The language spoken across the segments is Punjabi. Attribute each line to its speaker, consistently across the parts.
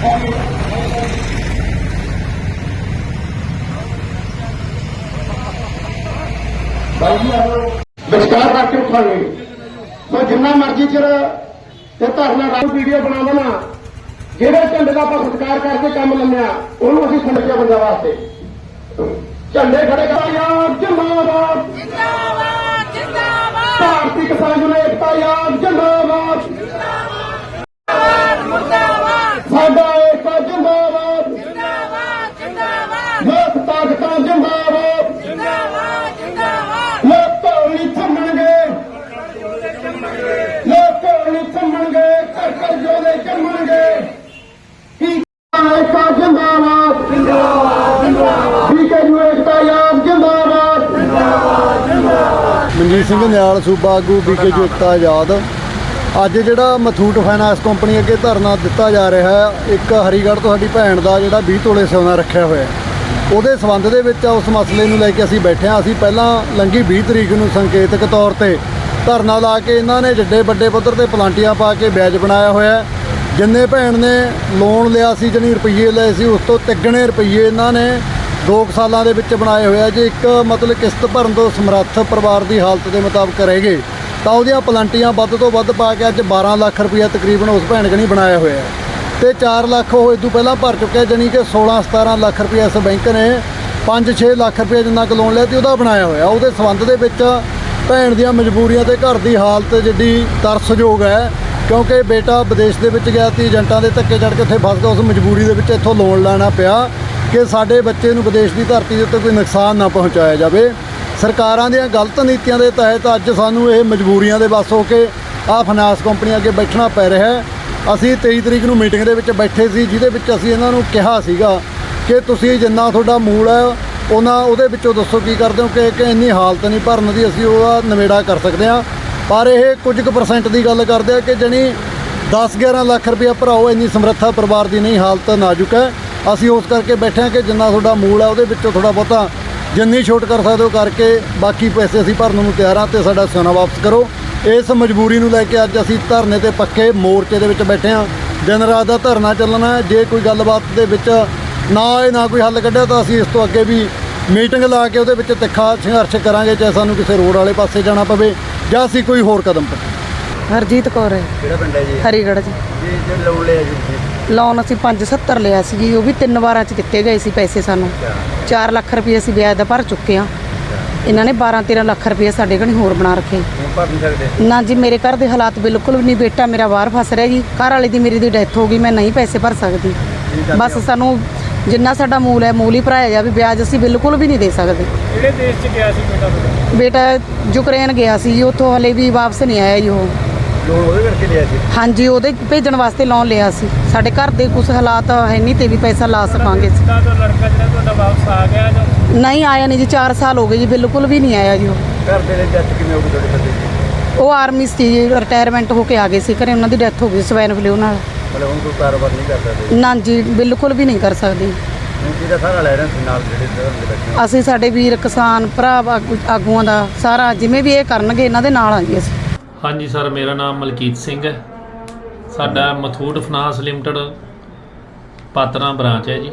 Speaker 1: ਵਿਚਕਾਰ ਕਰਕੇ ਉਠਾਂਗੇ। ਸੋ ਜਿੰਨਾ ਮਰਜ਼ੀ ਚਿਰ ਤੇ ਧਰਨਾ ਰਾਤ ਵੀਡੀਓ ਬਣਾ ਦੇਣਾ, ਜਿਹੜੇ ਝੰਡੇ ਦਾ ਆਪਾਂ ਸਤਿਕਾਰ ਕਰਕੇ ਕੰਮ ਲੰਮਿਆ ਉਹਨੂੰ ਅਸੀਂ ਖੰਡਿਆ ਬੰਦਾ ਵਾਸਤੇ ਝੰਡੇ ਖੜੇ ਕਰਾਂਗੇ। ਜਿੰਦਾਬਾਦ ਜਿੰਦਾਬਾਦ ਜਿੰਦਾਬਾਦ। ਭਾਰਤੀ ਕਿਸਾਨ ਯੂਨੀਅਨ ਏਕਤਾ ਯਾਦ ਜਿੰਦਾਬਾਦ ਜਿੰਦਾਬਾਦ ਮੁਰਦਾਬਾਦ। ਸਾਡਾ ਏਕਤਾ ਜਿੰਦਾਬਾਦ ਜਿੰਦਾਬਾਦ ਜਿੰਦਾਬਾਦ। ਲੋਕ ਤਾਕਤਾਂ ਜਿੰਦਾਬਾਦ ਜਿੰਦਾਬਾਦ ਜਿੰਦਾਬਾਦ। ਲੋਕ ਨਹੀਂ ਥੰਮਣਗੇ, ਲੋਕ ਨਹੀਂ ਥੰਮਣਗੇ, ਘਰ ਘਰ ਜੋਦੇ ਜੰਮਣਗੇ। ਕੀ ਏਕਤਾ ਜਿੰਦਾਬਾਦ ਜਿੰਦਾਬਾਦ ਜਿੰਦਾਬਾਦ। ਠੀਕ ਹੈ ਜੀ, ਏਕਤਾ ਯਾਦ ਜਿੰਦਾਬਾਦ ਜਿੰਦਾਬਾਦ ਜਿੰਦਾਬਾਦ।
Speaker 2: ਮਨਜੀਤ ਸਿੰਘ ਨਿਆਲ ਸੂਬਾ ਆਗੂ BKU ਏਕਤਾ ਆਜ਼ਾਦ। ਅੱਜ ਜਿਹੜਾ ਮਥੂਟ ਫਾਈਨਾਂਸ ਕੰਪਨੀ ਅੱਗੇ ਧਰਨਾ ਦਿੱਤਾ ਜਾ ਰਿਹਾ ਹੈ, ਇੱਕ ਹਰੀਗੜ੍ਹ ਤੋਂ ਸਾਡੀ ਭੈਣ ਦਾ ਜਿਹੜਾ 20 ਤੋਲੇ ਸੋਨਾ ਰੱਖਿਆ ਹੋਇਆ, ਉਹਦੇ ਸੰਬੰਧ ਦੇ ਵਿੱਚ ਉਸ ਮਸਲੇ ਨੂੰ ਲੈ ਕੇ ਅਸੀਂ ਬੈਠੇ ਹਾਂ। ਅਸੀਂ ਪਹਿਲਾਂ ਲੰਘੀ 20 ਤਰੀਕ ਨੂੰ ਸੰਕੇਤਕ ਤੌਰ ਤੇ ਧਰਨਾ ਲਾ ਕੇ ਇਹਨਾਂ ਨੇ ਜਿੱਡੇ ਵੱਡੇ ਪੱਧਰ ਤੇ ਪਲਾਂਟੀਆਂ ਪਾ ਕੇ ਵਿਆਜ ਬਣਾਇਆ ਹੋਇਆ। ਜਿੰਨੇ ਭੈਣ ਨੇ ਲੋਨ ਲਿਆ ਸੀ, ਜਿਹਨੇ ਰੁਪਈਏ ਲਏ ਸੀ, ਉਸ ਤੋਂ ਤਿੱਗਣੇ ਰੁਪਈਏ ਇਹਨਾਂ ਨੇ 2 ਸਾਲਾਂ ਦੇ ਵਿੱਚ ਬਣਾਏ ਹੋਇਆ। ਜੇ ਇੱਕ ਮਤਲਬ ਕਿਸ਼ਤ ਭਰਨ ਤੋਂ ਸਮਰੱਥ ਪਰਿਵਾਰ ਦੀ ਹਾਲਤ ਦੇ ਮੁਤਾਬਕ ਰਹੇਗੇ ਤਾਂ ਉਹਦੀਆਂ ਪਲਾਂਟੀਆਂ ਵੱਧ ਤੋਂ ਵੱਧ ਪਾ ਕੇ ਅੱਜ 12 ਲੱਖ ਰੁਪਈਆ ਤਕਰੀਬਨ ਉਸ ਭੈਣ ਕਨੀ ਬਣਾਇਆ ਹੋਇਆ ਤੇ 4 ਲੱਖ ਉਹ ਇਸ ਤੋਂ ਪਹਿਲਾਂ ਭਰ ਚੁੱਕਿਆ, ਜਾਣੀ ਕਿ 16-17 ਲੱਖ ਰੁਪਈਆ ਇਸ ਬੈਂਕ ਨੇ 5-6 ਲੱਖ ਰੁਪਈਆ ਜਿੰਨਾ ਕੁ ਲੋਨ ਲਿਆ ਤੇ ਉਹਦਾ ਬਣਾਇਆ ਹੋਇਆ। ਉਹਦੇ ਸੰਬੰਧ ਦੇ ਵਿੱਚ ਭੈਣ ਦੀਆਂ ਮਜਬੂਰੀਆਂ ਤੇ ਘਰ ਦੀ ਹਾਲਤ ਜਿੱਡੀ ਤਰਸਯੋਗ ਹੈ, ਕਿਉਂਕਿ ਬੇਟਾ ਵਿਦੇਸ਼ ਦੇ ਵਿੱਚ ਗਿਆ ਸੀ, ਏਜੰਟਾਂ ਦੇ ਧੱਕੇ ਚੜ੍ਹ ਕੇ ਉੱਥੇ ਫਸ ਗਿਆ। ਉਸ ਮਜਬੂਰੀ ਦੇ ਵਿੱਚ ਇੱਥੋਂ ਲੋਨ ਲੈਣਾ ਪਿਆ ਕਿ ਸਾਡੇ ਬੱਚੇ ਨੂੰ ਵਿਦੇਸ਼ ਦੀ ਧਰਤੀ ਦੇ ਉੱਤੇ ਕੋਈ ਨੁਕਸਾਨ ਨਾ ਪਹੁੰਚਾਇਆ ਜਾਵੇ। ਸਰਕਾਰਾਂ ਦੀਆਂ ਗਲਤ ਨੀਤੀਆਂ ਦੇ ਤਹਿਤ ਅੱਜ ਸਾਨੂੰ ਇਹ ਮਜਬੂਰੀਆਂ ਦੇ ਵੱਸ ਹੋ ਕੇ ਆਹ ਫਾਈਨਾਂਸ ਕੰਪਨੀਆਂ ਅੱਗੇ ਬੈਠਣਾ ਪੈ ਰਿਹਾ ਹੈ। ਅਸੀਂ 23 ਤਰੀਕ ਨੂੰ ਮੀਟਿੰਗ ਦੇ ਵਿੱਚ ਬੈਠੇ ਸੀ, ਜਿਹਦੇ ਵਿੱਚ ਅਸੀਂ ਇਹਨਾਂ ਨੂੰ ਕਿਹਾ ਸੀਗਾ ਕਿ ਤੁਸੀਂ ਜਿੰਨਾ ਤੁਹਾਡਾ ਮੂਲ ਹੈ ਉਹਦੇ ਵਿੱਚੋਂ ਦੱਸੋ ਕੀ ਕਰਦੇ ਹੋ, ਕਿ ਇੰਨੀ ਹਾਲਤ ਨਹੀਂ ਭਰਨ ਦੀ, ਅਸੀਂ ਉਹਦਾ ਨਿਬੇੜਾ ਕਰ ਸਕਦੇ ਹਾਂ। ਪਰ ਇਹ ਕੁਝ ਕੁ % ਦੀ ਗੱਲ ਕਰਦੇ ਆ ਕਿ ਜਣੀ 10-11 ਲੱਖ ਰੁਪਇਆ ਭਰਾਓ, ਇੰਨੀ ਸਮਰੱਥਾ ਪਰਿਵਾਰ ਦੀ ਨਹੀਂ, ਹਾਲਤ ਨਾਜ਼ੁਕ ਹੈ। ਅਸੀਂ ਉਸ ਕਰਕੇ ਬੈਠੇ ਹਾਂ ਕਿ ਜਿੰਨਾ ਤੁਹਾਡਾ ਮੂਲ ਹੈ ਉਹਦੇ ਵਿੱਚੋਂ ਥੋੜ੍ਹਾ ਬਹੁਤਾ ਜਿੰਨੀ ਛੋਟ ਕਰ ਸਕਦੇ ਹੋ ਕਰਕੇ ਬਾਕੀ ਪੈਸੇ ਅਸੀਂ ਭਰਨ ਨੂੰ ਤਿਆਰ ਹਾਂ ਤੇ ਸਾਡਾ ਸੋਨਾ ਵਾਪਸ ਕਰੋ। ਇਸ ਮਜਬੂਰੀ ਨੂੰ ਲੈ ਕੇ ਅੱਜ ਅਸੀਂ ਧਰਨੇ ਤੇ ਪੱਕੇ ਮੋਰਚੇ ਦੇ ਵਿੱਚ ਬੈਠੇ ਹਾਂ। ਦਿਨ ਰਾਤ ਦਾ ਧਰਨਾ ਚੱਲਣਾ ਹੈ। ਜੇ ਕੋਈ ਗੱਲਬਾਤ ਦੇ ਵਿੱਚ ਨਾ ਕੋਈ ਹੱਲ ਕੱਢਿਆ ਤਾਂ ਅਸੀਂ ਇਸ ਤੋਂ ਅੱਗੇ ਵੀ ਮੀਟਿੰਗ ਲਾ ਕੇ ਉਹਦੇ ਵਿੱਚ ਤਿੱਖਾ ਸੰਘਰਸ਼ ਕਰਾਂਗੇ, ਚਾਹੇ ਸਾਨੂੰ ਕਿਸੇ ਰੋਡ ਵਾਲੇ ਪਾਸੇ ਜਾਣਾ ਪਵੇ ਜਾਂ ਅਸੀਂ ਕੋਈ ਹੋਰ ਕਦਮ ਪਵੇ।
Speaker 3: ਹਰਜੀਤ ਕੌਰ ਹੈ।
Speaker 2: ਕਿਹੜਾ ਪਿੰਡ ਹੈ ਜੀ?
Speaker 3: ਹਰੀਗੜ੍ਹ ਜੀ।
Speaker 2: ਜੀ ਲੋਨ ਲਿਆ ਜੀ?
Speaker 3: ਲੋਨ ਅਸੀਂ 570 ਲਿਆ ਸੀ ਜੀ, ਉਹ ਵੀ 3 ਵਾਰਾਂ 'ਚ ਦਿੱਤੇ ਗਏ ਸੀ ਪੈਸੇ ਸਾਨੂੰ। 4 ਲੱਖ ਰੁਪਏ ਅਸੀਂ ਵਿਆਜ ਦਾ ਭਰ ਚੁੱਕੇ ਹਾਂ। ਇਹਨਾਂ ਨੇ 12-13 ਲੱਖ ਰੁਪਏ ਸਾਡੇ ਘਣੀ ਹੋਰ ਬਣਾ ਰੱਖੇ।
Speaker 2: ਭਰ ਨਹੀਂ ਸਕਦੇ
Speaker 3: ਨਾ ਜੀ, ਮੇਰੇ ਘਰ ਦੇ ਹਾਲਾਤ ਬਿਲਕੁਲ ਵੀ ਨਹੀਂ। ਬੇਟਾ ਮੇਰਾ ਬਾਹਰ ਫਸ ਰਿਹਾ ਜੀ, ਘਰ ਵਾਲੇ ਦੀ ਮੇਰੀ ਦੀ ਡੈਥ ਹੋ ਗਈ, ਮੈਂ ਨਹੀਂ ਪੈਸੇ ਭਰ ਸਕਦੀ। ਬਸ ਸਾਨੂੰ ਜਿੰਨਾ ਸਾਡਾ ਮੂਲ ਹੈ ਮੂਲ ਹੀ ਭਰਾਇਆ ਜਾਵੇ, ਵਿਆਜ ਅਸੀਂ ਬਿਲਕੁਲ ਵੀ ਨਹੀਂ ਦੇ ਸਕਦੇ।
Speaker 4: ਕਿਹੜੇ ਦੇਸ਼ 'ਚ ਗਿਆ ਸੀ
Speaker 3: ਬੇਟਾ ਯੂਕਰੇਨ ਗਿਆ ਸੀ ਜੀ, ਉੱਥੋਂ ਹਲੇ ਵੀ ਵਾਪਸ ਨਹੀਂ ਆਇਆ ਜੀ। ਉਹ
Speaker 2: ਲੋਨ ਉਹਦੇ ਕਰਕੇ ਲਿਆ ਸੀ?
Speaker 3: ਹਾਂਜੀ, ਉਹਦੇ ਭੇਜਣ ਵਾਸਤੇ ਲੋਨ ਲਿਆ ਸੀ। ਸਾਡੇ ਘਰ ਦੇ ਕੁਝ ਹਾਲਾਤ ਹੈ ਨਹੀਂ ਤੇ ਵੀ ਪੈਸਾ ਲਾ ਸਕਾਂਗੇ।
Speaker 4: ਤਾਂ ਲੜਕਾ ਜਿਹੜਾ ਤੁਹਾਡਾ ਵਾਪਸ ਆ ਗਿਆ ਜਾਂ
Speaker 3: ਨਹੀਂ ਆਇਆ ਨਹੀਂ ਜੀ, 4 ਸਾਲ ਹੋ ਗਏ ਜੀ, ਬਿਲਕੁਲ ਵੀ ਨਹੀਂ ਆਇਆ ਜੀ। ਉਹ
Speaker 2: ਘਰ ਦੇ ਲਈ ਡੈਥ ਕਿਵੇਂ ਹੋ ਗਈ ਤੁਹਾਡੇ ਪਤੀ ਦੀ?
Speaker 3: ਉਹ ਆਰਮੀ ਸੀ ਜੀ, ਰਿਟਾਇਰਮੈਂਟ ਹੋ ਕੇ ਆ ਗਏ ਸੀ ਘਰੇ, ਉਹਨਾਂ ਦੀ ਡੈਥ ਹੋ ਗਈ ਸਵੈਨ ਫਲੂ ਨਾਲ।
Speaker 2: ਮਤਲਬ ਹੁਣ ਕੋਈ ਕਾਰੋਬਾਰ ਨਹੀਂ ਕਰ ਸਕਦੇ?
Speaker 3: ਨਾ ਜੀ, ਬਿਲਕੁਲ ਵੀ ਨਹੀਂ ਕਰ ਸਕਦੇ।
Speaker 2: ਜਿਹਦਾ ਸਾਰਾ ਲੈ ਰਹੇ ਸੀ ਨਾਲ ਜਿਹੜੇ ਦੇ ਬੈਠੇ?
Speaker 3: ਅਸੀਂ ਸਾਡੇ ਵੀਰ ਕਿਸਾਨ ਭਰਾ ਆਗੂਆਂ ਦਾ ਸਾਰਾ ਜਿਵੇਂ ਵੀ ਇਹ ਕਰਨਗੇ ਇਹਨਾਂ ਦੇ ਨਾਲ ਆ ਜੀ ਅਸੀਂ।
Speaker 4: ਹਾਂਜੀ ਸਰ, ਮੇਰਾ ਨਾਮ ਮਲਕੀਤ ਸਿੰਘ ਹੈ। ਸਾਡਾ Muthoot finance limited Patran branch ਹੈ ਜੀ।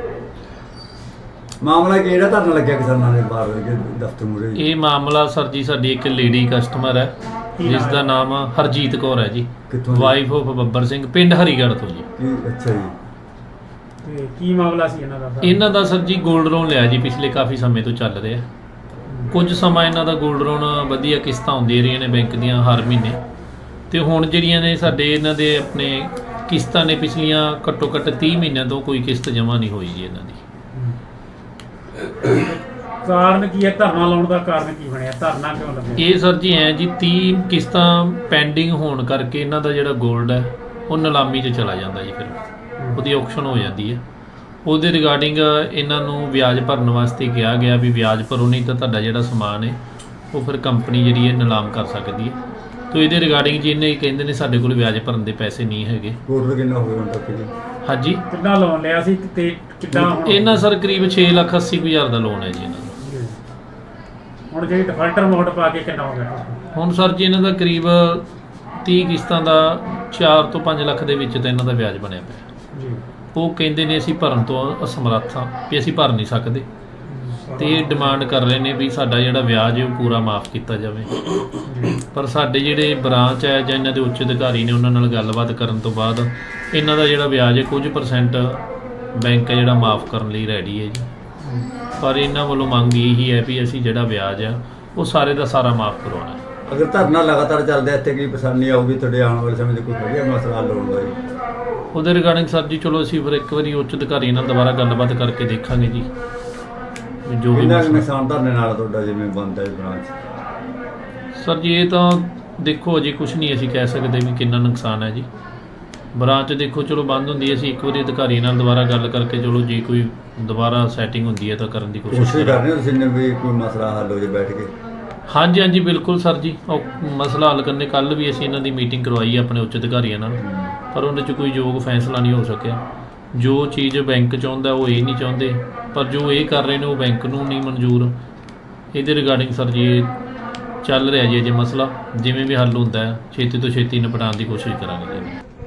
Speaker 2: ਮਾਮਲਾ ਕਿ ਜਿਹੜਾ ਧਰਨਾ ਲੱਗਿਆ ਕਿਸਾਨਾਂ ਦੇ ਬਾਹਰ ਦਫ਼ਤਰ ਮੂਹਰੇ?
Speaker 4: ਇਹ ਮਾਮਲਾ ਸਰ ਜੀ ਸਾਡੀ ਇੱਕ ਲੇਡੀ ਕਸਟਮਰ ਹੈ ਜਿਸ ਦਾ ਨਾਮ ਹਰਜੀਤ ਕੌਰ ਹੈ ਜੀ, ਵਾਈਫ ਆਫ ਬੱਬਰ ਸਿੰਘ, ਪਿੰਡ ਹਰੀਗੜ੍ਹ ਤੋਂ ਜੀ।
Speaker 2: ਅੱਛਾ ਜੀ।
Speaker 5: ਤੇ ਕੀ ਮਾਮਲਾ ਸੀ ਇਹਨਾਂ ਦਾ?
Speaker 4: ਇਹਨਾਂ ਦਾ ਸਰ ਜੀ ਗੋਲਡ ਲੋਨ ਲਿਆ ਜੀ, ਪਿਛਲੇ ਕਾਫੀ ਸਮੇਂ ਤੋਂ ਚੱਲ ਰਿਹਾ। ਕੁਝ ਸਮਾਂ ਇਹਨਾਂ ਦਾ ਗੋਲਡ ਲੋਨ ਵਧੀਆ ਕਿਸ਼ਤਾਂ ਆਉਂਦੀਆਂ ਰਹੀਆਂ ਨੇ ਬੈਂਕ ਦੀਆਂ ਹਰ ਮਹੀਨੇ, ਤੇ ਹੁਣ ਜਿਹੜੀਆਂ ਨੇ ਸਾਡੇ ਇਹਨਾਂ ਦੇ ਆਪਣੇ ਕਿਸ਼ਤਾਂ ਨੇ ਪਿਛਲੀਆਂ ਘੱਟੋ ਘੱਟ 30 ਮਹੀਨਿਆਂ ਤੋਂ ਕੋਈ ਕਿਸ਼ਤ ਜਮ੍ਹਾਂ ਨਹੀਂ ਹੋਈ ਜੀ ਇਹਨਾਂ ਦੀ।
Speaker 5: ਕਾਰਨ ਕੀ ਹੈ ਧਰਨਾ ਲਾਉਣ ਦਾ? ਕਾਰਨ ਕੀ ਬਣਿਆ? ਧਰਨਾ ਕਿਉਂ ਲੱਗਿਆ?
Speaker 4: ਇਹ ਸਰ ਜੀ ਐ ਜੀ 30 ਕਿਸ਼ਤਾਂ ਪੈਂਡਿੰਗ ਹੋਣ ਕਰਕੇ ਇਹਨਾਂ ਦਾ ਜਿਹੜਾ ਗੋਲਡ ਹੈ ਉਹ ਨਿਲਾਮੀ 'ਚ ਚਲਾ ਜਾਂਦਾ ਜੀ, ਫਿਰ ਉਹਦੀ ਔਕਸ਼ਨ ਹੋ ਜਾਂਦੀ ਹੈ। ਉਹਦੇ ਰਿਗਾਰਡਿੰਗ ਇਹਨਾਂ ਨੂੰ ਵਿਆਜ ਭਰਨ ਵਾਸਤੇ ਕਿਹਾ ਗਿਆ ਵੀ ਵਿਆਜ ਭਰੋ, ਨਹੀਂ ਤਾਂ ਤੁਹਾਡਾ ਜਿਹੜਾ ਸਮਾਨ ਹੈ ਉਹ ਫਿਰ ਕੰਪਨੀ ਜਿਹੜੀ ਹੈ ਨਿਲਾਮ ਕਰ ਸਕਦੀ ਹੈ। ਤੋ ਇਹਦੇ ਰਿਗਾਰਡਿੰਗ ਜੀ ਇਹਨੇ ਕਹਿੰਦੇ ਨੇ ਸਾਡੇ ਕੋਲ ਵਿਆਜ ਭਰਨ ਦੇ ਪੈਸੇ ਨਹੀਂ ਹੈਗੇ।
Speaker 2: ਟੋਟਲ ਕਿੰਨਾ ਹੋਇਆ ਹੁਣ ਤੱਕ ਜੀ?
Speaker 4: ਹਾਂਜੀ,
Speaker 5: ਕਿੰਨਾ ਲੋਨ ਲਿਆ ਸੀ ਤੇ ਕਿੰਨਾ?
Speaker 4: ਇਹਨਾਂ ਸਰ ਕਰੀਬ 6,80,000 ਦਾ ਲੋਨ ਹੈ ਜੀ ਇਹਨਾਂ ਦਾ।
Speaker 5: ਹੁਣ ਜਿਹੜੀ ਡਿਫਾਲਟਰ ਅਮਾਉਂਟ ਪਾ ਕੇ ਕਿੰਨਾ ਹੋ ਗਿਆ?
Speaker 4: ਹੁਣ ਸਰ ਜੀ ਇਹਨਾਂ ਦਾ ਕਰੀਬ 30 ਕਿਸ਼ਤਾਂ ਦਾ 4 ਤੋਂ 5 ਲੱਖ ਦੇ ਵਿੱਚ ਤਾਂ ਇਹਨਾਂ ਦਾ ਵਿਆਜ ਬਣਿਆ ਪਿਆ।
Speaker 5: ਜੀ
Speaker 4: ਉਹ ਕਹਿੰਦੇ ਨੇ ਅਸੀਂ ਭਰਨ ਤੋਂ ਅਸਮਰੱਥ ਹਾਂ ਵੀ ਅਸੀਂ ਭਰ ਨਹੀਂ ਸਕਦੇ ਤੇ ਇਹ ਡਿਮਾਂਡ ਕਰ ਰਹੇ ਨੇ ਵੀ ਸਾਡਾ ਜਿਹੜਾ ਵਿਆਜ ਹੈ ਉਹ ਪੂਰਾ ਮਾਫ ਕੀਤਾ ਜਾਵੇ। ਪਰ ਸਾਡੇ ਜਿਹੜੇ ਬ੍ਰਾਂਚ ਹੈ ਜਾਂ ਇਹਨਾਂ ਦੇ ਉੱਚ ਅਧਿਕਾਰੀ ਨੇ ਉਹਨਾਂ ਨਾਲ ਗੱਲਬਾਤ ਕਰਨ ਤੋਂ ਬਾਅਦ ਇਹਨਾਂ ਦਾ ਜਿਹੜਾ ਵਿਆਜ ਹੈ ਕੁਝ % ਬੈਂਕ ਹੈ ਜਿਹੜਾ ਮਾਫ ਕਰਨ ਲਈ ਰੈਡੀ ਹੈ ਜੀ। ਪਰ ਇਹਨਾਂ ਵੱਲੋਂ ਮੰਗ ਇਹੀ ਹੈ ਵੀ ਅਸੀਂ ਜਿਹੜਾ ਵਿਆਜ ਆ ਉਹ ਸਾਰੇ ਦਾ ਸਾਰਾ ਮਾਫ ਕਰਵਾਉਣਾ ਹੈ।
Speaker 6: ਅਗਰ ਧਰਨਾ ਲਗਾਤਾਰ ਚੱਲਦਾ ਇੱਥੇ ਕੀ ਪਰੇਸ਼ਾਨੀ ਆਊਗੀ ਤੁਹਾਡੇ ਆਉਣ ਵਾਲੇ ਸਮੇਂ 'ਚ ਕੋਈ ਵਧੀਆ ਮਸਲਾ ਹੱਲ ਹੋਣ ਦਾ ਜੀ?
Speaker 4: ਉਹਦੇ ਰਿਗਾਰਡਿੰਗ ਸਰ ਜੀ ਚਲੋ ਅਸੀਂ ਫਿਰ ਇੱਕ ਵਾਰੀ ਉੱਚ ਅਧਿਕਾਰੀ ਨਾਲ ਦੁਬਾਰਾ ਗੱਲਬਾਤ ਕਰਕੇ ਦੇਖਾਂਗੇ ਜੀ ਵੀ ਜੋ ਵੀ
Speaker 6: ਕਿੰਨਾ ਕੁ
Speaker 4: ਮਸਲਾ-
Speaker 6: ਨੁਕਸਾਨ ਧਰਨੇ ਨਾਲ ਤੁਹਾਡਾ ਜਿਵੇਂ ਬਣਦਾ ਹੈ ਬ੍ਰਾਂਚ?
Speaker 4: ਸਰ ਜੀ ਇਹ ਤਾਂ ਦੇਖੋ ਅਜੇ ਕੁਝ ਨਹੀਂ ਅਸੀਂ ਕਹਿ ਸਕਦੇ ਵੀ ਕਿੰਨਾ ਨੁਕਸਾਨ ਹੈ ਜੀ। ਬ੍ਰਾਂਚ ਦੇਖੋ ਚਲੋ ਬੰਦ ਹੁੰਦੀ ਹੈ, ਅਸੀਂ ਇੱਕ ਵਾਰੀ ਅਧਿਕਾਰੀ ਨਾਲ ਦੁਬਾਰਾ ਗੱਲ ਕਰਕੇ ਚਲੋ ਜੇ ਕੋਈ ਦੁਬਾਰਾ ਸੈਟਿੰਗ ਹੁੰਦੀ ਹੈ ਤਾਂ ਕਰਨ ਦੀ ਕੋਸ਼ਿਸ਼
Speaker 6: ਕੋਸ਼ਿਸ਼ ਕਰ
Speaker 4: ਕਰਾਂਗੇ।
Speaker 6: ਰਹੇ ਹੋ ਤੁਸੀਂ ਨੇ ਵੀ ਕੋਈ ਮਸਲਾ ਹੱਲ ਹੋ ਜੇ ਬੈਠ ਕੇ?
Speaker 4: ਹਾਂਜੀ ਹਾਂਜੀ ਬਿਲਕੁਲ ਸਰ ਜੀ, ਉਹ ਮਸਲਾ ਹੱਲ ਕਰਨੇ ਕੱਲ੍ਹ ਵੀ ਅਸੀਂ ਇਹਨਾਂ ਦੀ ਮੀਟਿੰਗ ਕਰਵਾਈ ਹੈ ਆਪਣੇ ਉੱਚ ਅਧਿਕਾਰੀਆਂ ਨਾਲ, ਪਰ ਉਹਦੇ 'ਚ ਕੋਈ ਯੋਗ ਫੈਸਲਾ ਨਹੀਂ ਹੋ ਸਕਿਆ। ਜੋ ਚੀਜ਼ ਬੈਂਕ ਚਾਹੁੰਦਾ ਉਹ ਇਹ ਨਹੀਂ ਚਾਹੁੰਦੇ, ਪਰ ਜੋ ਇਹ ਕਰ ਰਹੇ ਨੇ ਉਹ ਬੈਂਕ ਨੂੰ ਨਹੀਂ ਮਨਜ਼ੂਰ। ਇਹਦੇ ਰਿਗਾਰਡਿੰਗ ਸਰ ਜੀ ਇਹ ਚੱਲ ਰਿਹਾ ਜੀ ਅਜੇ ਮਸਲਾ, ਜਿਵੇਂ ਵੀ ਹੱਲ ਹੁੰਦਾ ਹੈ ਛੇਤੀ ਤੋਂ ਛੇਤੀ ਨਿਪਟਾਉਣ ਦੀ ਕੋਸ਼ਿਸ਼ ਕਰਾਂਗੇ ਜੀ।